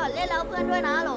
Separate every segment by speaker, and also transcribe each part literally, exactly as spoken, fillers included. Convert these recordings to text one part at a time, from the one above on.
Speaker 1: เล่นแล้วเพื่อนด้วยนะโหล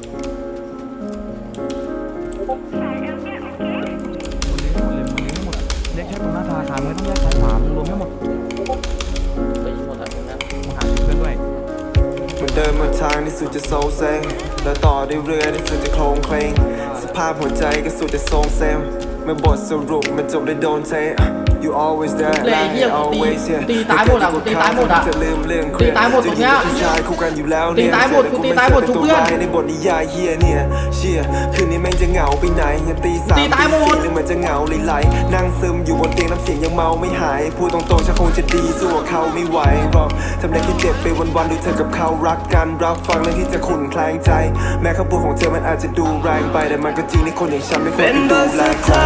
Speaker 2: เรียกแค่ตรงหน้าธนาคารไม่ต้องแยกซ้ายขวามึงรวมไม่หมดไปหมดแล้วนะมึงหาเพื่อนด้วย
Speaker 3: มันเดินมาทางที่สุดจะโซเซแล้วต่อด้วยเรือที่สุดจะโคลงเคลงสภาพหัวใจก็สุดจะทรงเซมเมื่อบทสรุปมันจบได้โดนเท You always there
Speaker 4: เลยเฮียตีตีตายหมดอ่ะตีตายหมดอ่ะ
Speaker 3: จะลืมเรื่องเครี
Speaker 4: ตี
Speaker 3: ยด
Speaker 4: ตายหมดตรงเนี้ย
Speaker 3: ผู้ชายคู่กันอยู่แล้ว
Speaker 4: ตี
Speaker 3: เนี่ย
Speaker 4: ตายหมดกูตีตายหมดทุกเพื่อน
Speaker 3: ในบทนิยายเฮียเนี่ยเชียคืนนี้แม่งจะเหงาไปไหนยังตีสาม
Speaker 4: ตีตายหมด
Speaker 3: ตีสี่หรือมันจะเหงาไหลๆนั่งซึมอยู่บนเตียงน้ำเสียงยังเมาไม่หายพูดตรงๆฉันคงจะดีสู้กับเขาไม่ไหวหรอกทำได้แค่เจ็บไปวันๆดูเธอกับเขารักกันรับฟังเรื่องที่จะขุ่นแคลงใจแม้คำพูดของเธอมันอาจจะดูแรงไปแต่มันก็จริงในคนอย่างฉันไม่ควรไปดูแลใคร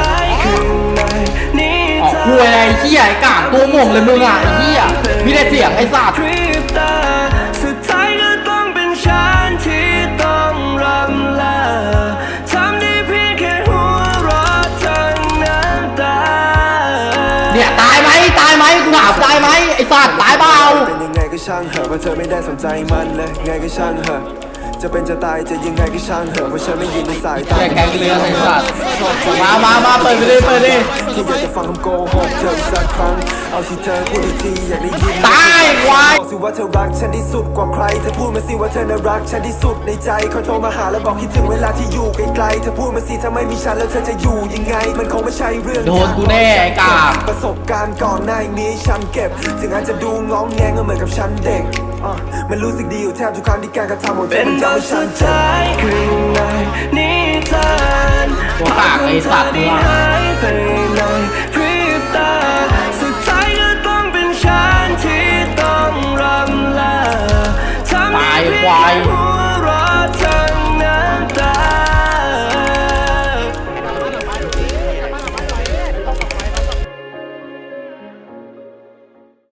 Speaker 4: ออกคุยอะไรไอ้เหี้ยไอ้กาดตัวหม่งเลยมึงอ่ะไอ้เหี้ยมีแต่เสียงไอ้สัตว์
Speaker 3: สุดท้ายก็ต้องเป็นฉันที่ต้องรำลาทำได้เพียงแค่หัวเราะทั้งน้ำตา
Speaker 4: เนี่ยตายไหมตายไหมกูถามตายไหมไอ้สัตว์ตายเปล่า
Speaker 3: เป็นยังไงก็ช่างเหอะเพราะเธอไม่ได้สนใจมันเลยไงก็ช่างเหอะจะเป็นจะตายจะยังไงก็ช่างเหอะเพราะฉันไม่ยืนในสายตา
Speaker 4: แกแกงเรือไอ้สัตว์มามามาเปิดไปดิเปิดดิ
Speaker 3: แค่อยากจะฟังคำโกหกเธออีกสักครั้งเอาที่เธอพูดอีกทีอยากได้ยิน
Speaker 4: ตายควาย
Speaker 3: บอกสิว่าเธอรักฉันที่สุดกว่าใครเธอพูดมาสิว่าเธอน่ารักฉันที่สุดในใจคอยโทรมาหาแล้วบอกคิดถึงเวลาที่อยู่ไกลๆเธอพูดมาสิถ้าไม่มีฉันแล้วเธอจะอยู่ยังไงมันคงไม่ใช่เรื่อง
Speaker 4: โดนกูแน่ไอ้กาด
Speaker 3: ประสบการณ์ก่อนหน้านี้ฉันเก็บถึงอาจจะดูงองแงงก็เหมือนกับฉันเด็กอ่ะมันรู้สึกดีอยู่แทบทุกครั้งที่การกระทำของเธอมันทำให้ฉันเจ็บ
Speaker 4: ตัวปากไอ้สัตว์มึงอ่ะ
Speaker 3: ไปเลย